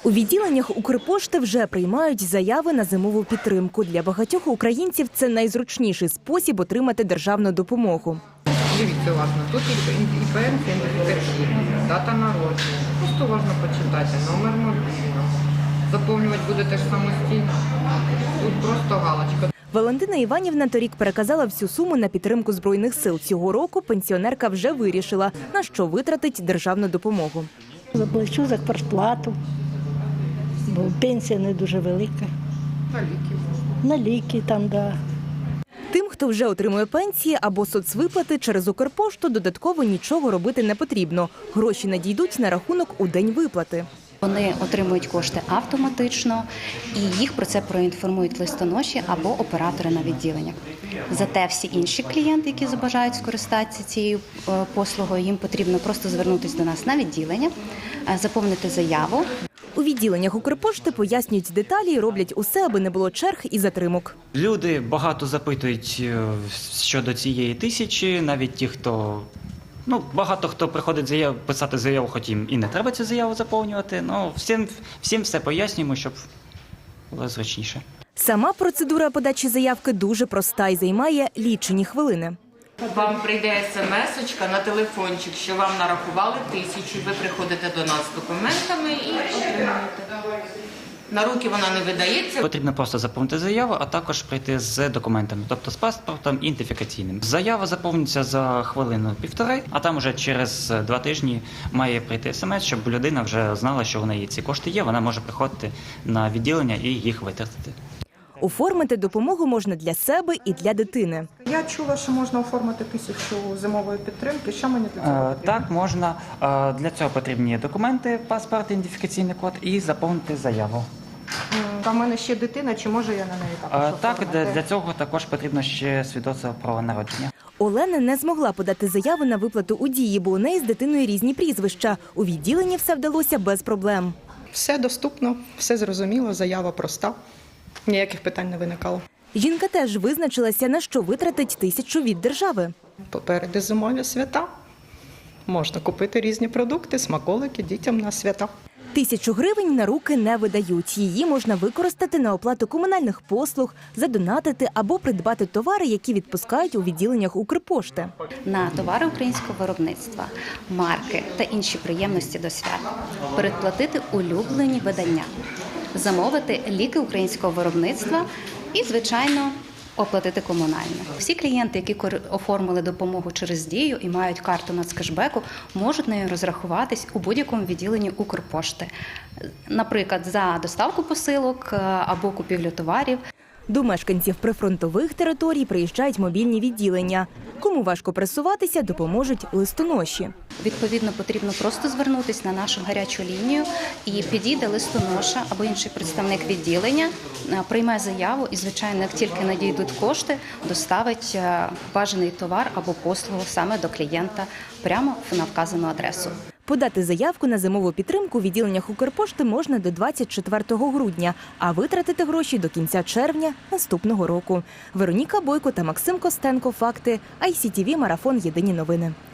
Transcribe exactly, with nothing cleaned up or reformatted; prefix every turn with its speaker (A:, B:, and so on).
A: У відділеннях Укрпошти вже приймають заяви на зимову підтримку. Для багатьох українців це найзручніший спосіб отримати державну допомогу.
B: Дивіться уважно, тут і пенсія, ідентифікаційна, дата народження. Просто уважно почитати, номер мобільного. Заповнювати будете ж самостійно. Тут просто галочка.
A: Валентина Іванівна торік переказала всю суму на підтримку Збройних сил. Цього року пенсіонерка вже вирішила, на що витратить державну допомогу.
C: Заплачу за квартплату, бо пенсія не дуже велика.
B: На ліки можна.
C: На ліки там, да.
A: Тим, хто вже отримує пенсії або соцвиплати через Укрпошту, додатково нічого робити не потрібно. Гроші надійдуть на рахунок у день виплати.
D: Вони отримують кошти автоматично і їх про це проінформують листоноші або оператори на відділеннях. Зате всі інші клієнти, які забажають скористатися цією послугою, їм потрібно просто звернутися до нас на відділення, заповнити заяву.
A: У відділеннях Укрпошти пояснюють деталі і роблять усе, аби не було черг і затримок.
E: Люди багато запитують щодо цієї тисячі, навіть ті, хто... Ну, багато хто приходить заяв, писати заяву, хоч їм і не треба цю заяву заповнювати. Ну, всім, всім все пояснюємо, щоб було зручніше.
A: Сама процедура подачі заявки дуже проста і займає лічені хвилини.
F: Вам прийде смс-очка на телефончик, що вам нарахували тисячу. Ви приходите до нас з документами і отримуєте. На руки вона не видається.
E: Потрібно просто заповнити заяву, а також прийти з документами, тобто з паспортом ідентифікаційним. Заява заповнюється за хвилину-півтори, а там уже через два тижні має прийти смс, щоб людина вже знала, що в неї ці кошти є, вона може приходити на відділення і їх витратити.
A: Оформити допомогу можна для себе і для дитини.
B: Я чула, що можна оформити тисячу зимової підтримки. Що мені для цього потрібно?
E: Так, можна. Для цього потрібні документи, паспорт, ідентифікаційний код і заповнити заяву.
B: А в мене ще дитина, чи може я на неї також
E: Так,
B: оформити?
E: для цього також потрібно ще свідоцтво про народження.
A: Олена не змогла подати заяву на виплату у Дії, бо у неї з дитиною різні прізвища. У відділенні все вдалося без проблем.
G: Все доступно, все зрозуміло, заява проста, ніяких питань не виникало.
A: Жінка теж визначилася, на що витратить тисячу від держави.
G: Попереду зимові свята, можна купити різні продукти, смаколики дітям на свята.
A: Тисячу гривень на руки не видають. Її можна використати на оплату комунальних послуг, задонатити або придбати товари, які відпускають у відділеннях Укрпошти.
D: На товари українського виробництва, марки та інші приємності до свят. Передплатити улюблені видання. Замовити ліки українського виробництва і, звичайно, оплатити комунальне. Всі клієнти, які оформили допомогу через Дію і мають карту нацкешбеку, можуть нею розрахуватись у будь-якому відділенні Укрпошти. Наприклад, за доставку посилок або купівлю товарів.
A: До мешканців прифронтових територій приїжджають мобільні відділення. Кому важко пересуватися, допоможуть листоноші.
D: Відповідно, потрібно просто звернутися на нашу гарячу лінію і підійде листоноша або інший представник відділення, прийме заяву і, звичайно, як тільки надійдуть кошти, доставить бажаний товар або послугу саме до клієнта прямо на вказану адресу.
A: Подати заявку на зимову підтримку у відділеннях Укрпошти можна до двадцять четвертого грудня, а витратити гроші до кінця червня наступного року. Вероніка Бойко та Максим Костенко. Факти. ай сі ті ві. Марафон. Єдині новини.